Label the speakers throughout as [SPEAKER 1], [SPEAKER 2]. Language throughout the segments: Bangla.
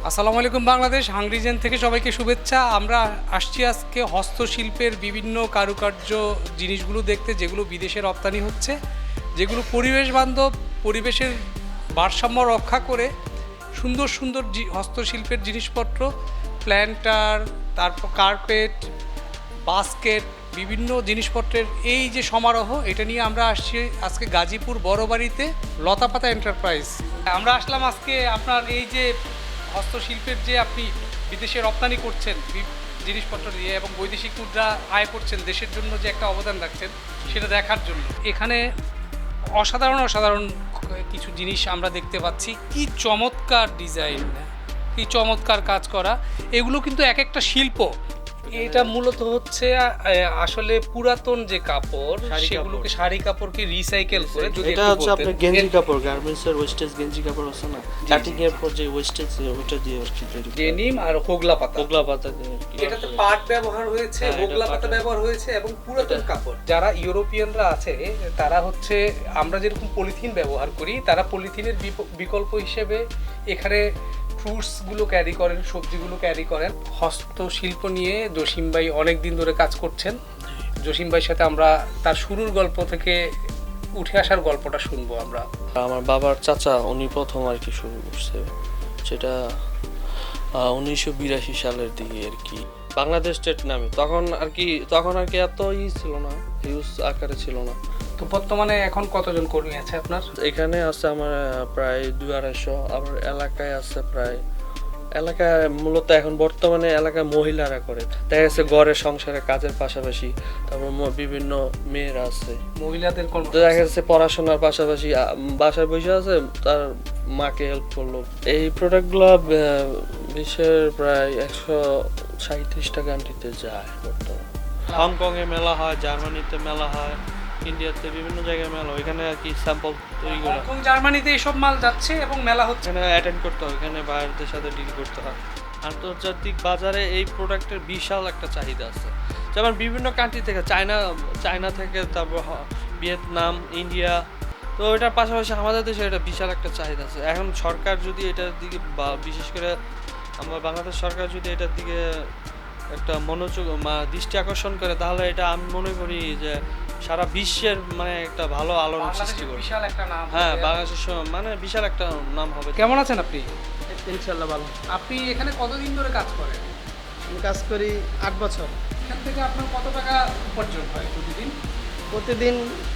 [SPEAKER 1] আসসালামু আলাইকুম বাংলাদেশ, হাংরিজেন থেকে সবাইকে শুভেচ্ছা। আমরা আসছি আজকে হস্তশিল্পের বিভিন্ন কারুকার্য জিনিসগুলো দেখতে, যেগুলো বিদেশে রপ্তানি হচ্ছে, যেগুলো পরিবেশ বান্ধব, পরিবেশের ভারসাম্য রক্ষা করে সুন্দর সুন্দর হস্তশিল্পের জিনিসপত্র, প্ল্যান্টার, তারপর কার্পেট, বাস্কেট, বিভিন্ন জিনিসপত্রের এই যে সমারোহ, এটা নিয়ে আমরা আসছি আজকে গাজীপুর বড়বাড়িতে লতাপাতা এন্টারপ্রাইজ। আমরা আসলাম আজকে আপনার এই যে হস্তশিল্পের যে আপনি বিদেশে রপ্তানি করছেন জিনিসপত্র দিয়ে এবং বৈদেশিক মুদ্রা আয় করছেন, দেশের জন্য যে একটা অবদান রাখছেন সেটা দেখার জন্য এখানে অসাধারণ অসাধারণ কিছু জিনিস আমরা দেখতে পাচ্ছি। কি চমৎকার ডিজাইন, কি চমৎকার কাজ করা, এগুলো কিন্তু এক একটা শিল্প। এটা মূলত হচ্ছে আসলে পুরাতন যে কাপড়, সেগুলোকে শাড়ি কাপড়কে রিসাইকেল করে, যদি
[SPEAKER 2] এটা হচ্ছে আপনার গেঞ্জি কাপড়, গার্মেন্টসের ওয়েস্টেজ গেঞ্জি কাপড় আছে না, কাটিং এর পর যে ওয়েস্টেজ ওটা দিয়ে আর কি তৈরি
[SPEAKER 1] ডেনিম আর হোগলা পাতা
[SPEAKER 2] দিয়ে আর কি।
[SPEAKER 1] এটাতে পাট ব্যবহার হয়েছে, হোগলা পাতা ব্যবহার হয়েছে এবং পুরাতন কাপড়। যারা ইউরোপিয়ানরা আছে তারা হচ্ছে, আমরা যেরকম পলিথিন ব্যবহার করি, তারা পলিথিনের বিকল্প হিসেবে এখানে ফ্রুটসগুলো ক্যারি করেন, সবজিগুলো ক্যারি করেন। হস্তশিল্প নিয়ে জসিম ভাই অনেক দিন ধরে কাজ করছেন। জসিম ভাইয়ের সাথে আমরা তার শুরুর গল্প থেকে উঠে আসার গল্পটা শুনবো আমরা।
[SPEAKER 2] আমার বাবার চাচা উনি প্রথম আর কি শুরু করছে, সেটা 1982 সালের দিকে আর কি, বাংলাদেশ স্টেট নামে। তখন আর কি এত ছিল না, হিউজ আকারে ছিল না।
[SPEAKER 1] তো বর্তমানে এখন কতজন কর্মী আছে আপনার
[SPEAKER 2] এখানে? আছে আমার প্রায় 200-250। আবার এলাকায় আছে প্রায়, এলাকায় মূলত এখন বর্তমানে এলাকায় মহিলারা করে, দেখা যাচ্ছে ঘরের সংসারে কাজের পাশাপাশি। তারপর বিভিন্ন মেয়েরা আছে,
[SPEAKER 1] মহিলাদের
[SPEAKER 2] দেখা যাচ্ছে পড়াশোনার পাশাপাশি বাসায় বসে আছে, তার মাকে হেল্প করলো। এই প্রোডাক্টগুলো বিশ্বের প্রায় 137টা কান্ট্রিতে যায় বর্তমানে। হংকং এ মেলা হয়, জার্মানিতে মেলা হয়, ইন্ডিয়াতে বিভিন্ন জায়গায় মেলা, ওইখানে আর কি স্যাম্পল তৈরি করা।
[SPEAKER 1] হংকং জার্মানিতে এইসব মাল যাচ্ছে এবং মেলা হচ্ছে,
[SPEAKER 2] এখানে অ্যাটেন্ড করতে হয়, এখানে বাইরের সাথে ডিল করতে হয়। আন্তর্জাতিক বাজারে এই প্রোডাক্টের বিশাল একটা চাহিদা আছে। যেমন বিভিন্ন কান্ট্রি থেকে, চায়না থেকে, তারপর ভিয়েতনাম, ইন্ডিয়া, তো এটার পাশাপাশি আমাদের দেশে এটা বিশাল একটা চাহিদা আছে। এখন সরকার যদি এটার দিকে, বা বিশেষ করে আমার বাংলাদেশ সরকার যদি এটার দিকে একটা মনোযোগ দৃষ্টি আকর্ষণ করে, তাহলে এটা আমি মনে করি যে সারা বিশ্বের মানে একটা ভালো আলোড়ন সৃষ্টি করবে।
[SPEAKER 1] বিশাল একটা নাম।
[SPEAKER 2] হ্যাঁ, বাংলাদেশের মানে বিশাল একটা নাম হবে।
[SPEAKER 1] কেমন আছেন আপনি?
[SPEAKER 3] ইনশাল্লাহ ভালো।
[SPEAKER 1] আপনি এখানে কতদিন ধরে কাজ করেন?
[SPEAKER 3] আমি কাজ করি 8 বছর।
[SPEAKER 1] এখান থেকে আপনার কত টাকা উপার্জন হয় প্রতিদিন?
[SPEAKER 3] প্রতিদিন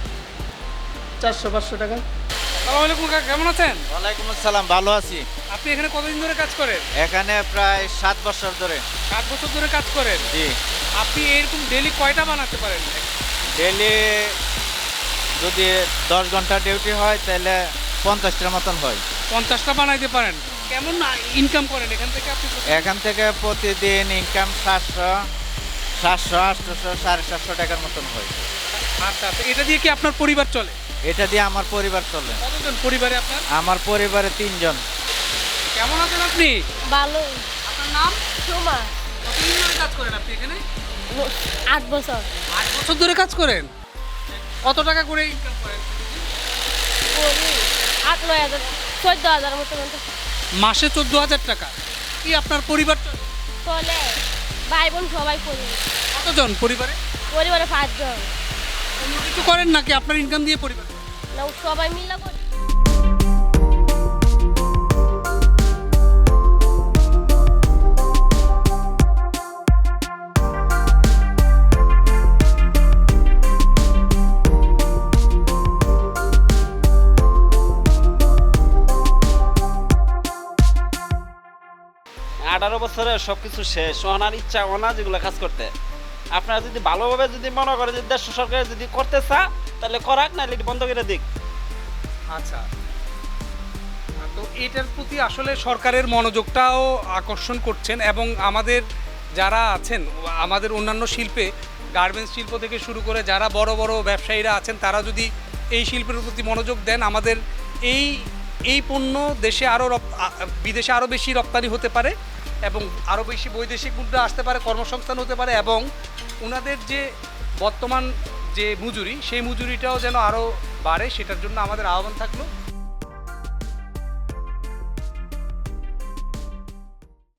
[SPEAKER 3] 400-500 টাকা।
[SPEAKER 1] আসসালামু আলাইকুম কাকা, কেমন আছেন?
[SPEAKER 4] ওয়ালাইকুম আসসালাম, ভালো আছি।
[SPEAKER 1] আপনি এখানে কতদিন ধরে কাজ করেন?
[SPEAKER 4] এখানে প্রায় 7 বছর ধরে।
[SPEAKER 1] 7 বছর ধরে কাজ করেন?
[SPEAKER 4] জি।
[SPEAKER 1] আপনি এরকম ডেইলি কয়টা বানাতে পারেন?
[SPEAKER 4] ডেলি যদি 10 ঘন্টা ডিউটি হয় তাহলে 50টার মতন হয়।
[SPEAKER 1] 50টা বানাইতে পারেন? কেমন ইনকাম করেন এখান থেকে আপনি?
[SPEAKER 4] এখান থেকে প্রতিদিন ইনকাম 700, 800, 750 টাকার মতন হয়।
[SPEAKER 1] আচ্ছা আচ্ছা, এটা দিয়ে কি আপনার পরিবার চলে?
[SPEAKER 4] এটা দিয়ে আমার পরিবার চলে।
[SPEAKER 1] কতজন পরিবারে আপনার?
[SPEAKER 4] আমার পরিবারে 3 জন।
[SPEAKER 1] কেমন আছেন আপনি?
[SPEAKER 5] ভালো।
[SPEAKER 1] আপনার নাম?
[SPEAKER 5] সোমা।
[SPEAKER 1] কতদিন ধরে কাজ করেন আপনি এখানে?
[SPEAKER 5] 8 বছর।
[SPEAKER 1] 8 বছর ধরে কাজ করেন? কত টাকা করে ইনকাম করেন?
[SPEAKER 5] করি 8-9 হাজার, 14,000 মতো
[SPEAKER 1] মাসে 14,000 টাকা। কি আপনার পরিবার চলে?
[SPEAKER 5] চলে। ভাই বোন সবাই করি।
[SPEAKER 1] কতজন পরিবারে?
[SPEAKER 5] পরিবারে 5 জন।
[SPEAKER 1] অন্য কিছু করেন নাকি আপনার ইনকাম দিয়ে পরিবার?
[SPEAKER 5] না, সবাই মিলে করি।
[SPEAKER 6] আঠারো বছরে সবকিছু শেষ, ওনার ইচ্ছা ওনা যেগুলো কাজ করতে। আপনারা যদি ভালোভাবে যদি মনে করে যে দেশ সরকার যদি করতে চা, তাহলে করাক, নাহলে বন্ধ করে দিক।
[SPEAKER 1] আচ্ছা, তো এটার প্রতি আসলে সরকারের মনোযোগটাও আকর্ষণ করছেন এবং আমাদের যারা আছেন, আমাদের অন্যান্য শিল্পে, গার্মেন্টস শিল্প থেকে শুরু করে যারা বড় বড় ব্যবসায়ীরা আছেন, তারা যদি এই শিল্পের প্রতি মনোযোগ দেন, আমাদের এই পণ্য দেশে আরও বিদেশে আরও বেশি রপ্তানি হতে পারে এবং আরও বেশি বৈদেশিক মুদ্রা আসতে পারে, কর্মসংস্থান হতে পারে এবং ওনাদের যে বর্তমান যে মজুরি, সেই মজুরিটাও যেন আরও বাড়ে, সেটার জন্য আমাদের আহ্বান থাকলো।